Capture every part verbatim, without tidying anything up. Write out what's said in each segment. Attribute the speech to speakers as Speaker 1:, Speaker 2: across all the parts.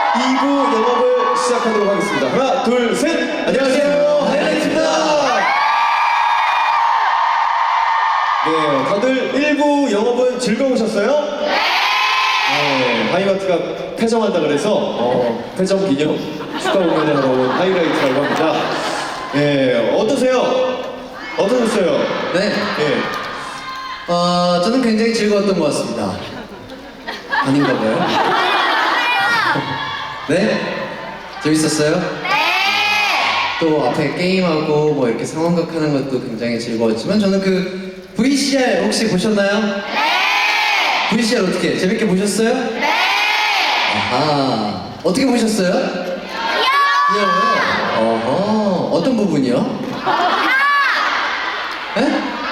Speaker 1: 이 부 영업을 시작하도록 하겠습니다. 하나, 둘, 셋! 안녕하세요, 하이라이트입니다! 네, 다들 일 부 영업은 즐거우셨어요? 네, 하이마트가 폐점한다 그래서 어, 폐점 기념 축하 공연을 하러 온 하이라이트라고 합니다. 네, 어떠세요? 어떠셨어요?
Speaker 2: 네.
Speaker 1: 네.
Speaker 2: 어, 저는 굉장히 즐거웠던 것 같습니다. 아닌가 봐요. 네? 재밌었어요? 네! 또 앞에 게임하고 뭐 이렇게 상황극 하는 것도 굉장히 즐거웠지만 저는 그 브이씨알 혹시 보셨나요? 네! 브이씨알 어떻게? 재밌게 보셨어요? 네! 아하. 어떻게 보셨어요? 귀여워요! 어허. 어떤 부분이요? 네?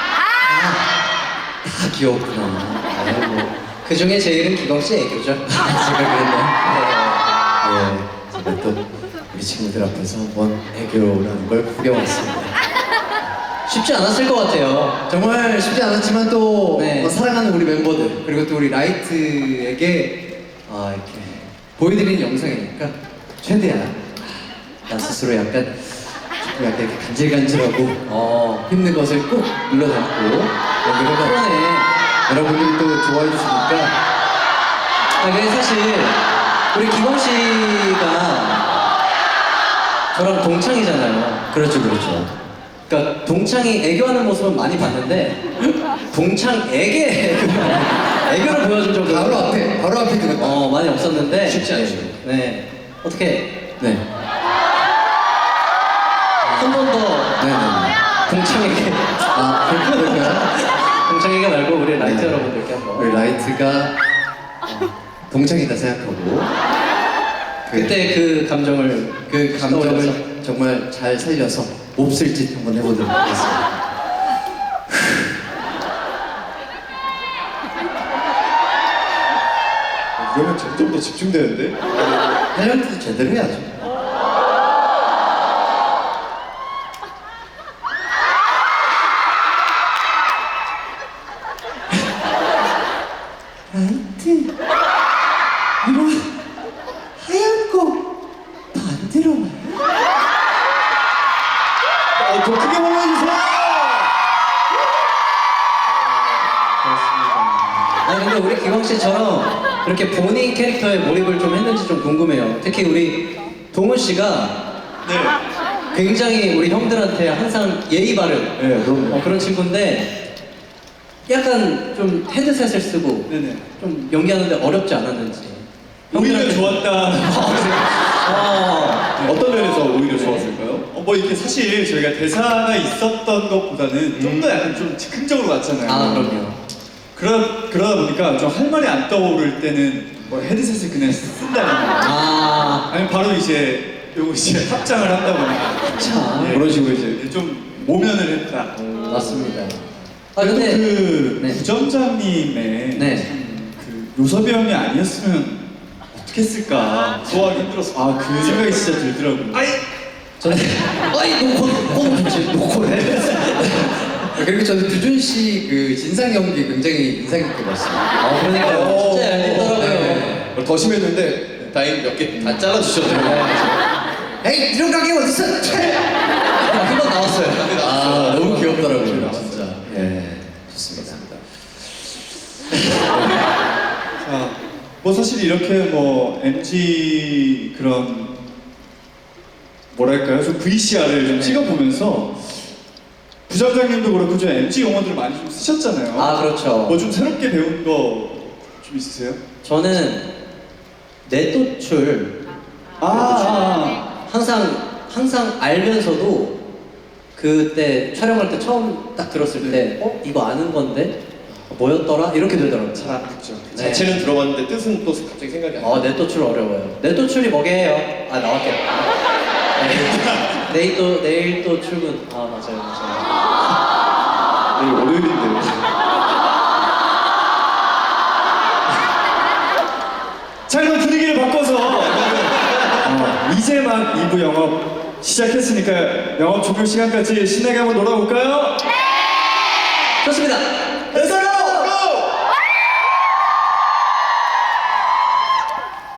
Speaker 2: 다 귀엽구나. 아이고. 그 중에 제일은 기광씨 애교죠. 제가 그랬나요? 네. 제가 또 우리 친구들 앞에서 한번 애교라는 걸 구경했습니다. 쉽지 않았을 것 같아요. 정말 쉽지 않았지만 또 네. 어, 사랑하는 우리 멤버들 그리고 또 우리 라이트에게 아, 이렇게 보여드리는 영상이니까 최대한 나 스스로 약간 약간 이렇게 간질간질하고 어, 힘든 것을 꼭 눌러 담고 연기를 해봐. 여러분들이 또 좋아해 주시니까. 아, 근데 사실 우리 기광 씨가 저랑 동창이잖아요. 그렇죠, 그렇죠. 그러니까 동창이 애교하는 모습은 많이 봤는데 동창에게 애교를 보여준 적은 바로 앞에, 바로 앞에 그거 어 많이 없었는데 쉽지 않죠. 네. 어떻게? 네. 한 번 더 네네. 동창에게 아 그럴까요? 동창이가 말고 우리 라이트 네. 여러분들께 한번 우리 라이트가 어, 동창이다 생각하고 그, 그때 그 감정을 그 감정을 떠올려서. 정말 잘 살려서 몹쓸 짓 한번 해보도록 하겠습니다.
Speaker 1: 이러면 점점 더 집중되는데?
Speaker 2: 탤런트도 제대로 해야죠. 라이트 이런 하얀 거 반대로 와요?
Speaker 1: 어, 더 크게 보여주세요!
Speaker 3: 아 근데 우리 기광 씨처럼 이렇게 본인 캐릭터에 몰입을 좀 했는지 좀 궁금해요. 특히 우리 동훈 씨가
Speaker 1: 네.
Speaker 3: 굉장히 우리 형들한테 항상 예의 바른
Speaker 1: 네, 그럼요.
Speaker 3: 어, 그런 친구인데 약간 좀 헤드셋을 쓰고
Speaker 1: 네네.
Speaker 3: 좀 연기하는데 어렵지 않았는지.
Speaker 1: 오히려
Speaker 3: 형들한테-
Speaker 1: 좋았다.
Speaker 3: 아,
Speaker 1: 어떤 면에서 오히려 좋았을까요?
Speaker 4: 어, 뭐 이렇게 사실 저희가 대사가 있었던 것보다는 좀 더 약간 좀 즉흥적으로 왔잖아요.
Speaker 3: 아 그럼요.
Speaker 4: 그러, 그러다 보니까 좀 할 말이 안 떠오를 때는 뭐 헤드셋을 그냥 쓴다거나
Speaker 3: 아,
Speaker 4: 아니면 바로 이제 요거 이제 합장을 한다거나
Speaker 3: 참
Speaker 4: 예,
Speaker 1: 그런 식으로 이제
Speaker 4: 좀 모면을 했다.
Speaker 3: 맞습니다. 아
Speaker 4: 또
Speaker 3: 근데
Speaker 4: 그
Speaker 3: 네.
Speaker 4: 부점장님의
Speaker 3: 네.
Speaker 4: 참 그 요섭이 형이 아니었으면 어떻게 했을까 소화하기 힘들었어. 아 그 생각이 진짜 들더라고요.
Speaker 1: 아이!
Speaker 3: 저는 아이 놓고 놓고 지 놓고 해.
Speaker 2: 그리고 저는 두준 씨 그 진상 연기 굉장히 인상 깊게 봤어요.
Speaker 3: 아 그러니까요. 진짜 얄밉더라고요.
Speaker 2: 네.
Speaker 1: 더 심했는데 다행히 몇 개 다 잘라주셨네요.
Speaker 2: 에이 이런 가게 어딨어?
Speaker 3: 한 번 나왔어요.
Speaker 2: 아 너무 귀엽더라고요
Speaker 1: 나왔어요.
Speaker 2: 진짜. 예 좋습니다.
Speaker 4: 자, 뭐 사실 이렇게 뭐 엠지 그런 뭐랄까요, 좀 브이씨알을 좀 찍어보면서 부장장님도 그렇고 좀 엠지 용어들을 많이 좀 쓰셨잖아요.
Speaker 3: 아 그렇죠.
Speaker 4: 뭐 좀 새롭게 배운 거 좀 있으세요?
Speaker 3: 저는 내또출
Speaker 4: 아, 아,
Speaker 3: 항상 항상 알면서도 그때 촬영할 때 처음 딱 들었을 때 어? 이거 아는 건데? 뭐였더라? 이렇게 되더라고요.
Speaker 4: 잘 안 듣죠.
Speaker 3: 네.
Speaker 1: 자체는 들어봤는데 뜻은 또 갑자기 생각이 안 나.
Speaker 3: 어, 내또출 어려워요. 내또출이 뭐게요? 아, 나왔겠다. 네. 내일 또, 내일 또 출근. 아, 맞아요, 맞아요.
Speaker 1: 내일 월요일인데.
Speaker 4: 자, 이런 분위기를 바꿔서 어, 이제 막 이 부 영업 시작했으니까 영업 종료 시간까지 신나게 한번 놀아볼까요?
Speaker 3: 좋습니다.